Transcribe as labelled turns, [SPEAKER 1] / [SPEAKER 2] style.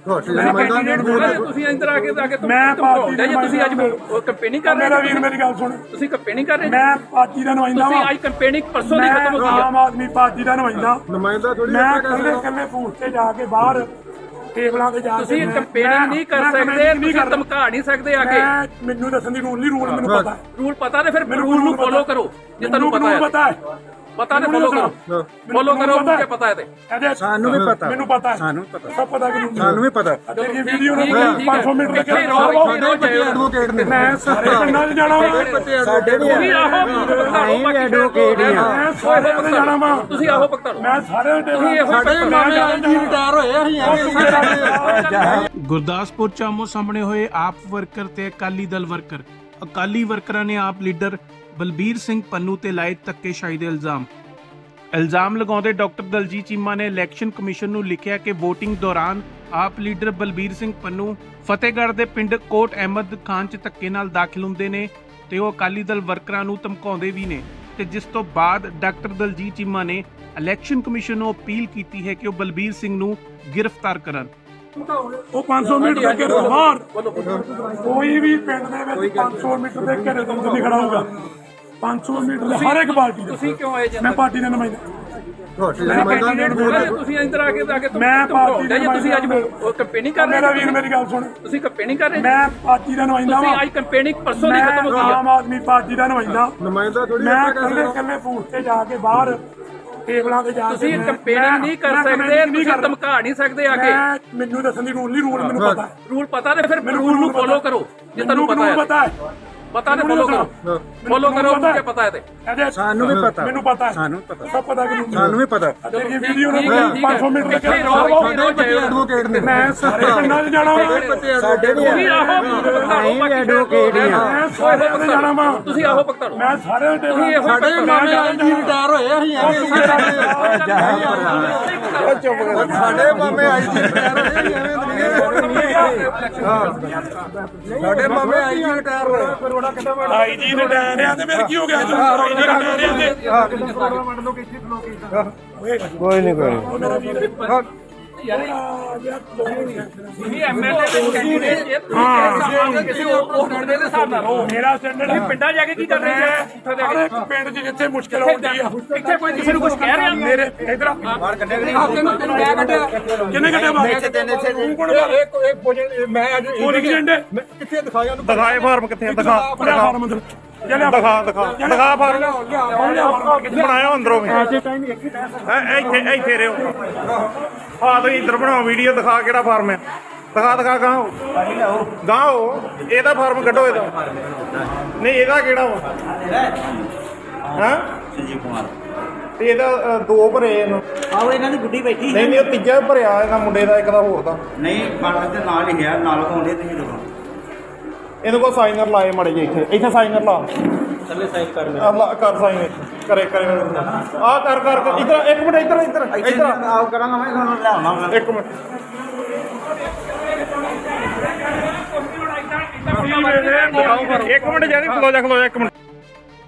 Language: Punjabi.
[SPEAKER 1] ਤੁਸੀਂ ਇੰਦਰ ਆ ਕੇ ਮੈਂ ਪਾਰਟੀ ਦਾ ਤੁਸੀਂ ਅੱਜ ਕੰਪੇਨਿੰਗ ਕਰ ਰਹੇ ਹੋ। ਮੇਰਾ ਵੀਰ ਮੇਰੀ ਗੱਲ ਸੁਣ, ਤੁਸੀਂ ਕੰਪੇਨਿੰਗ ਕਰ ਰਹੇ ਮੈਂ ਪਾਰਟੀ ਦਾ ਨੁਮਾਇੰਦਾ ਹਾਂ। ਅੱਜ ਕੰਪੇਨਿੰਗ ਪਰਸੋਂ ਦੀ ਖਤਮ ਹੋ ਗਈ। ਆਮ ਆਦਮੀ ਪਾਰਟੀ ਦਾ ਨੁਮਾਇੰਦਾ ਥੋੜੀ ਮੈਂ ਕੱਲੇ ਫੂਟ ਤੇ ਜਾ ਕੇ ਬਾਹਰ ਟੇਬਲਾਂ ਤੇ ਜਾ ਕੇ ਤੁਸੀਂ ਕੰਪੇਨਿੰਗ ਨਹੀਂ ਕਰ ਸਕਦੇ, ਤੁਸੀਂ ਧਮਕਾ ਨਹੀਂ ਸਕਦੇ ਆ ਕੇ। ਮੈਨੂੰ ਦੱਸਣ ਦੀ ਰੂਲ ਮੈਨੂੰ ਪਤਾ। ਰੂਲ ਪਤਾ ਤੇ ਫਿਰ ਰੂਲ ਨੂੰ ਫੋਲੋ ਕਰੋ ਜੇ ਤੁਹਾਨੂੰ ਪਤਾ ਹੈ। ਪਤਾ ਨੇ ਫੋਲੋ ਕਰੋ ਮੁझे ਪਤਾ ਹੈ ਤੇ
[SPEAKER 2] ਸਾਨੂੰ ਵੀ ਪਤਾ,
[SPEAKER 1] ਮੈਨੂੰ ਪਤਾ ਹੈ,
[SPEAKER 2] ਸਾਨੂੰ ਪਤਾ,
[SPEAKER 1] ਸਭ ਪਤਾ ਕਿ
[SPEAKER 2] ਸਾਨੂੰ ਵੀ ਪਤਾ।
[SPEAKER 1] ਇਹ ਵੀਡੀਓ ਨੂੰ 500 ਮਿੰਟ ਲੱਗੇ ਐਡਵੋਕੇਟ ਨੇ ਮੈਂ ਸਾਰੇ ਪਿੰਡਾਂ 'ਚ ਜਾਣਾ
[SPEAKER 2] ਸਾਡੇ ਵੀ ਐਡਵੋਕੇਟ ਨੇ
[SPEAKER 1] ਮੈਂ ਸਾਰੇ ਪਿੰਡਾਂ ਜਾਣਾ ਵਾ
[SPEAKER 3] ਤੁਸੀਂ ਆਹੋ ਪਕਤਾ
[SPEAKER 1] ਮੈਂ ਸਾਰੇ
[SPEAKER 2] ਸਾਡੇ ਮਾਮੇ ਆਈ ਜੀ ਰਿਟਾਇਰ ਹੋਏ ਅਸੀਂ
[SPEAKER 4] ਗੁਰਦਾਸਪੁਰ ਚ ਆਮੋ ਸਾਹਮਣੇ ਹੋਏ ਆਪ ਵਰਕਰ ਤੇ ਅਕਾਲੀ ਦਲ ਵਰਕਰ। ਅਕਾਲੀ ਵਰਕਰਾਂ ਨੇ ਆਪ ਲੀਡਰ ਬਲਬੀਰ ਸਿੰਘ ਪੰਨੂ ਤੇ ਲਾਏ ਧੱਕੇਸ਼ਾਹੀ ਦੇ ਇਲਜ਼ਾਮ ਲਗਾਉਂਦੇ ਡਾਕਟਰ ਦਲਜੀਤ ਚੀਮਾ ਨੇ ਇਲੈਕਸ਼ਨ ਕਮਿਸ਼ਨ ਨੂੰ ਲਿਖਿਆ ਕਿ VOTING ਦੌਰਾਨ ਆਪ ਲੀਡਰ ਬਲਬੀਰ ਸਿੰਘ ਪੰਨੂ ਫਤਿਹਗੜ੍ਹ ਦੇ ਪਿੰਡ ਕੋਟ ਅਹਿਮਦ ਖਾਨ 'ਚ ਧੱਕੇ ਨਾਲ ਦਾਖਲ ਹੁੰਦੇ ਨੇ ਤੇ ਉਹ ਅਕਾਲੀ ਦਲ ਵਰਕਰਾਂ ਨੂੰ ਧਮਕਾਉਂਦੇ ਵੀ ਨੇ, ਤੇ ਜਿਸ ਤੋਂ ਬਾਅਦ ਡਾਕਟਰ ਦਲਜੀਤ ਚੀਮਾ ਨੇ ਇਲੈਕਸ਼ਨ ਕਮਿਸ਼ਨ ਨੂੰ ਅਪੀਲ ਕੀਤੀ ਹੈ ਕਿ ਉਹ ਬਲਬੀਰ ਸਿੰਘ ਨੂੰ ਗ੍ਰਿਫਤਾਰ ਕਰਨ।
[SPEAKER 1] ਉਹ 500 ਮੀਟਰ ਦੇ ਘੇਰੇ ਤੋਂ ਬਾਹਰ ਕੋਈ ਵੀ ਪਿੰਡ ਦੇ ਵਿੱਚ 500 ਮੀਟਰ ਦੇ ਘੇਰੇ ਤੋਂ ਨਹੀਂ ਖੜਾ ਹੋਊਗਾ। 500 ਮੀਟਰ ਦੇ ਹਰ ਇੱਕ ਪਾਰਟੀ ਦਾ।
[SPEAKER 3] ਤੁਸੀਂ ਕਿਉਂ ਆਏ ਜੀ?
[SPEAKER 1] ਮੈਂ ਪਾਰਟੀ ਦਾ ਨੁਮਾਇੰਦਾ।
[SPEAKER 3] ਤੁਸੀਂ ਇੰਦਰ ਆ ਕੇ
[SPEAKER 1] ਮੈਂ ਪਾਰਟੀ ਦਾ
[SPEAKER 3] ਤੁਸੀਂ ਅੱਜ ਕੰਪੇਨਿੰਗ ਕਰ ਰਹੇ
[SPEAKER 1] ਮੇਰਾ ਵੀਰ ਮੇਰੀ ਗੱਲ ਸੁਣ,
[SPEAKER 3] ਤੁਸੀਂ ਕੰਪੇਨਿੰਗ ਕਰ ਰਹੇ
[SPEAKER 1] ਮੈਂ ਪਾਰਟੀ ਦਾ ਨੁਮਾਇੰਦਾ
[SPEAKER 3] ਤੁਸੀਂ ਅੱਜ ਕੰਪੇਨਿੰਗ ਪਰਸੋਂ ਦੀ ਖਤਮ ਹੋ ਗਈ।
[SPEAKER 1] ਆਮ ਆਦਮੀ ਪਾਰਟੀ ਦਾ ਨੁਮਾਇੰਦਾ ਥੋੜੀ ਮੈਂ ਕੱਲੇ ਫੂਟ ਤੇ ਜਾ ਕੇ ਬਾਹਰ ਟੇਬਲਾਂ ਤੇ ਜਾ ਕੇ
[SPEAKER 3] ਤੁਸੀਂ ਕੰਪੇਨਿੰਗ ਨਹੀਂ ਕਰ ਸਕਦੇ, ਤੁਸੀਂ ਧਮਕਾ ਨਹੀਂ ਸਕਦੇ ਆ ਕੇ।
[SPEAKER 1] ਮੈਨੂੰ ਦੱਸਣ ਦੀ ਰੂਲ ਮੈਨੂੰ ਪਤਾ।
[SPEAKER 3] ਰੂਲ ਪਤਾ ਤੇ ਫਿਰ ਰੂਲ ਨੂੰ ਫੋਲੋ ਕਰੋ ਜੇ ਤੁਹਾਨੂੰ ਪਤਾ ਹੈ। ਪਤਾ ਨੇ ਫੋਲੋ ਕਰੋ ਮੁझे ਪਤਾ ਹੈ ਤੇ
[SPEAKER 2] ਸਾਨੂੰ ਵੀ ਪਤਾ,
[SPEAKER 1] ਮੈਨੂੰ ਪਤਾ ਹੈ,
[SPEAKER 2] ਸਾਨੂੰ ਪਤਾ,
[SPEAKER 1] ਸਭ ਪਤਾ ਕਿ
[SPEAKER 2] ਸਾਨੂੰ ਵੀ ਪਤਾ।
[SPEAKER 1] ਇਹ ਵੀਡੀਓ ਨੂੰ 500 ਮਿੰਟ ਲੱਗੇ
[SPEAKER 2] ਐਡਵੋਕੇਟ ਨੇ
[SPEAKER 1] ਮੈਂ ਸਾਰੇ ਪਿੰਡਾਂ 'ਚ ਜਾਣਾ
[SPEAKER 2] ਸਾਡੇ ਵੀ ਐਡਵੋਕੇਟ ਨੇ
[SPEAKER 1] ਮੈਂ ਸਾਰੇ ਪਿੰਡਾਂ 'ਚ ਜਾਣਾ ਵਾ
[SPEAKER 3] ਤੁਸੀਂ ਆਹੋ ਪਕਤਾ
[SPEAKER 1] ਮੈਂ ਸਾਰੇ
[SPEAKER 2] ਸਾਡੇ ਮਾਮੇ ਆਈ ਜੀ ਰਿਟਾਇਰ ਹੋਏ ਅਸੀਂ ਸਾਡੇ ਮਾਮੇ ਆਈ ਜੀ ਰਿਟਾਇਰ ਹੋਏ ਸਾਡੇ ਮਾਮੇ ਆਈ ਜੀ ਰਿਟਾਇਰ ਹੋਏ
[SPEAKER 1] ਆਈ ਜੀ ਰਿਟਾਇਰ ਆ ਤੇ ਫਿਰ ਕੀ ਹੋ ਗਿਆ ਜੀ?
[SPEAKER 2] ਕੋਈ ਨਹੀਂ
[SPEAKER 3] ਐਮਐਲਏ ਦੇ ਕੈਂਡੀਡੇਟ ਜੇ ਤੁਸੀਂ ਕਿਸੇ ਉਹ ਪਿੰਡ ਦੇ ਹਿਸਾਬ ਨਾਲ ਰਹੋ।
[SPEAKER 1] ਮੇਰਾ ਸਟੈਂਡਰਡ
[SPEAKER 3] ਪਿੰਡਾਂ ਜਾ ਕੇ ਕੀ ਕਰ ਰਹੇ ਜੀ?
[SPEAKER 1] ਹਰ ਇੱਕ ਪਿੰਡ 'ਚ ਜਿੱਥੇ ਮੁਸ਼ਕਿਲ ਆਉਂਦੀ ਆ
[SPEAKER 3] ਇੱਥੇ ਕੋਈ ਕਿਸੇ ਨੂੰ ਕੁਝ ਕਹਿ ਰਿਹਾ
[SPEAKER 1] ਮੇਰੇ ਇਧਰ
[SPEAKER 3] ਤੈਨੂੰ ਮੈਂ ਕੱਢਿਆ
[SPEAKER 1] ਕਿੰਨੇ ਘੰਟੇ ਬਾਅਦ ਤੂੰ ਕੋਣ
[SPEAKER 2] ਮੈਂ ਅੱਜ
[SPEAKER 1] ਪੋਲਿੰਗ ਏਜੰਟ
[SPEAKER 2] ਕਿੱਥੇ ਦਿਖਾਇਆ ਉਹਨੂੰ?
[SPEAKER 5] ਦਿਖਾਏ ਫਾਰਮ ਕਿੱਥੇ ਦਿਖਾ
[SPEAKER 1] ਫਾਰਮ ਅੰਦਰ
[SPEAKER 5] ਦਿਖਾ ਫਾਰਮ ਬਣਾਇਆ ਅੰਦਰੋਂ ਵੀ ਇੱਥੇ ਰਿਓ ਆ ਤੁਸੀਂ ਇੱਧਰ ਬਣਾਓ ਵੀਡੀਓ ਦਿਖਾ ਕਿਹੜਾ ਫਾਰਮ ਹੈ ਦਿਖਾ ਗਾਓ ਇਹਦਾ ਫਾਰਮ ਕੱਢੋ ਇਹਦਾ ਨਹੀਂ ਇਹਦਾ ਕਿਹੜਾ ਵਾ ਹਾਂ
[SPEAKER 6] ਸੰਜੀਵ ਕੁਮਾਰ
[SPEAKER 5] ਤੇ ਇਹਦਾ ਦੋ ਭਰੇ ਇਹਨੂੰ
[SPEAKER 6] ਆਹੋ ਇਹਨਾਂ ਦੀ ਗੁੱਡੀ ਬੈਠੀ
[SPEAKER 5] ਨਹੀਂ ਉਹ ਤੀਜਾ ਭਰਿਆ ਇਹਦਾ ਮੁੰਡੇ ਦਾ ਇੱਕ ਦਾ ਹੋਰ ਦਾ
[SPEAKER 6] ਨਹੀਂ ਬਾਹਰ ਦੇ ਨਾਲ ਹੀ ਹੈ ਨਾਲ ਆਉਂਦੇ ਤੁਸੀਂ ਦੇਖੋ
[SPEAKER 5] ਇਹਨੂੰ ਕੋ ਸਾਈਨਰ ਲਾਏ ਮੜੇ ਜੇ ਇੱਥੇ ਸਾਈਨਰ ਲਾ
[SPEAKER 6] ਥੱਲੇ ਸਾਈਨ ਕਰ
[SPEAKER 5] ਕਰ ਸਾਈਨ ਕਰੇ ਆ ਕਰ ਇੱਧਰ ਇੱਕ ਮਿੰਟ ਇੱਧਰ
[SPEAKER 6] ਆਪ ਕਰਾਂਗਾ ਮੈਂ ਤੁਹਾਨੂੰ ਲਿਆਉਣਾ
[SPEAKER 5] ਇੱਕ ਮਿੰਟ ਇੱਕ ਮਿੰਟ ਜਾਨੀ ਖਲੋ ਜਾ ਇੱਕ ਮਿੰਟ